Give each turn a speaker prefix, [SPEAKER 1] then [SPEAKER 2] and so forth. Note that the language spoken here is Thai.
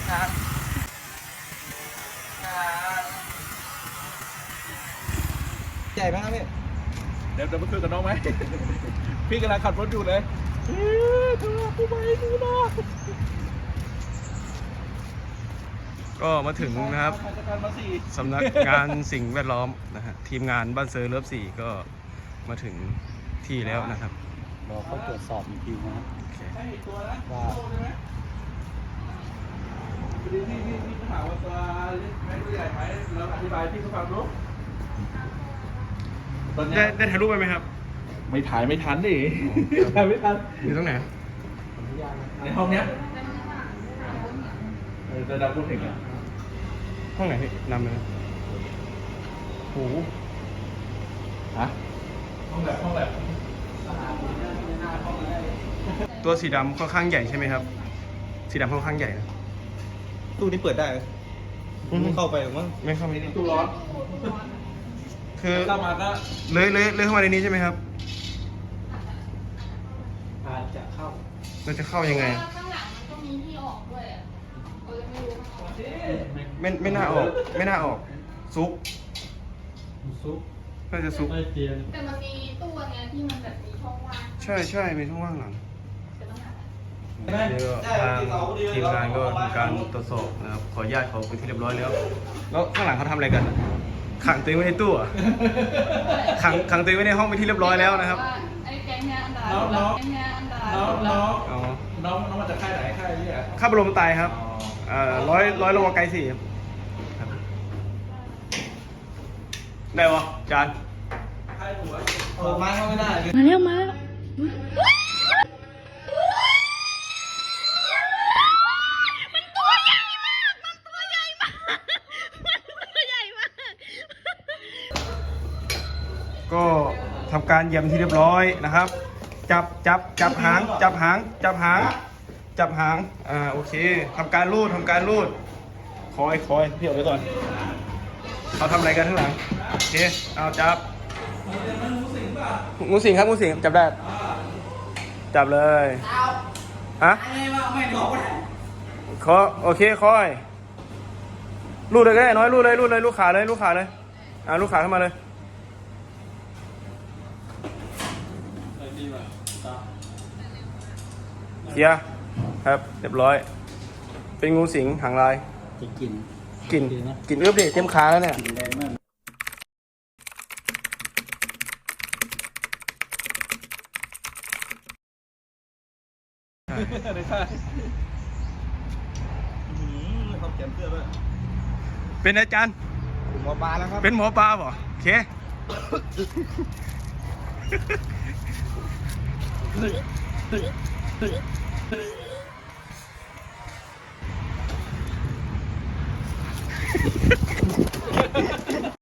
[SPEAKER 1] ใหญ่ไหมครับพี่
[SPEAKER 2] เดี๋ยวไปคุยกับน้องไหม พี่กำลังขับรถอยู่เลยดูผู้ใหญ่ดูนะ
[SPEAKER 3] ก็มาถึงนะครับสำนักงานสิ่งแวดล้อมนะฮะทีมงานบ้านเซอร์เลิฟ4ก็มาถึงที่แล้วนะครับ
[SPEAKER 1] เราก็ตรวจสอบอีกทีนะครับว่า
[SPEAKER 2] พี่ถามว่าตัวไม่ตัวใหญ่ไหมเราอธิบายพี่เขาฟังรู้
[SPEAKER 3] ได้ถ่ายรูปไปไหมครับ
[SPEAKER 2] ไม่ถ่ายไม่ทันดิถ่ายไม่ทัน
[SPEAKER 3] อยู่ตรงไหน
[SPEAKER 2] ในห้องเนี้ยจะดับพูดถึงอ่ะ
[SPEAKER 3] ห้องไหนพี่นำเลยโอ้โห
[SPEAKER 2] ฮะห้องแบบ
[SPEAKER 3] ตัวสีดำค่อนข้างใหญ่ใช่ไหมครับสีดำค่อนข้างใหญ่นะ
[SPEAKER 1] ตู้นี้เปิดได้ไหมไม่เข้าไปหรือมั้ง
[SPEAKER 3] ไม่เข้าไป
[SPEAKER 2] ตู้ร้อน
[SPEAKER 3] คือ
[SPEAKER 2] เข้ามาก็
[SPEAKER 3] เลยเข้ามาในนี้ใช่ไหมครับ
[SPEAKER 1] อาจจะเข้า
[SPEAKER 3] เราจะเข้ายังไง
[SPEAKER 4] ข้างหลังมันก็มีที่ออกด้วยอ่ะเราจะไม่รู้
[SPEAKER 3] ไม่น่าออกไม่น่าออกซุกน่าจะซุก
[SPEAKER 4] แต่มันมีตู้อันเนี้ยที่มันแบบมีช่องว่าง
[SPEAKER 3] ใช่มีช่องว่างหลัง
[SPEAKER 4] จะต้องหา
[SPEAKER 3] ทางทีมงานก็ทำการตรวจสอบนะครับขออนุญาตเขาเป็นที่เรียบร้อยแล้วข้างหลังเขาทำอะไรกันขังตัวเองไว้ในตู้ขังตัวเองไว้ในห้องเป็นที่เรียบร้อยแล้วนะครับ
[SPEAKER 4] ไอ้แก๊งเนี้ยอันตรายน้
[SPEAKER 2] องมาจากค่ายไหนค่ายนี้อ่ะ
[SPEAKER 3] ข้าบรมไตครับร้อยโลไกล4ครับได้ปะจาน
[SPEAKER 2] ค่ายหัว
[SPEAKER 1] ไม้เข้าไม่ได้
[SPEAKER 4] มาแล้ว
[SPEAKER 3] ก็ทำการเยี่ยมที่เรียบร้อยนะครับจับหางโอเคทำการรูดคอยพี่ออกไปก่อนเขาทำอะไรกันข้างหลังโอเคเอาจับงูสิงครับงูสิงจับได้จับเลยฮะโอเคคอยรูดเลยก็ได้น้อยรูดเลยลูกขาเลยลูกขาขึ้นมาเลยเคลียร์ครับเรียบร้อยเป็นงูสิงหางลาย
[SPEAKER 1] กิน
[SPEAKER 3] เอื้อบดิเต็มขาแล้วเนี่ยเป็นอาจารย์
[SPEAKER 1] หมอปลาแล้วครับ
[SPEAKER 3] เป็นหมอปลาเปล่าโอเค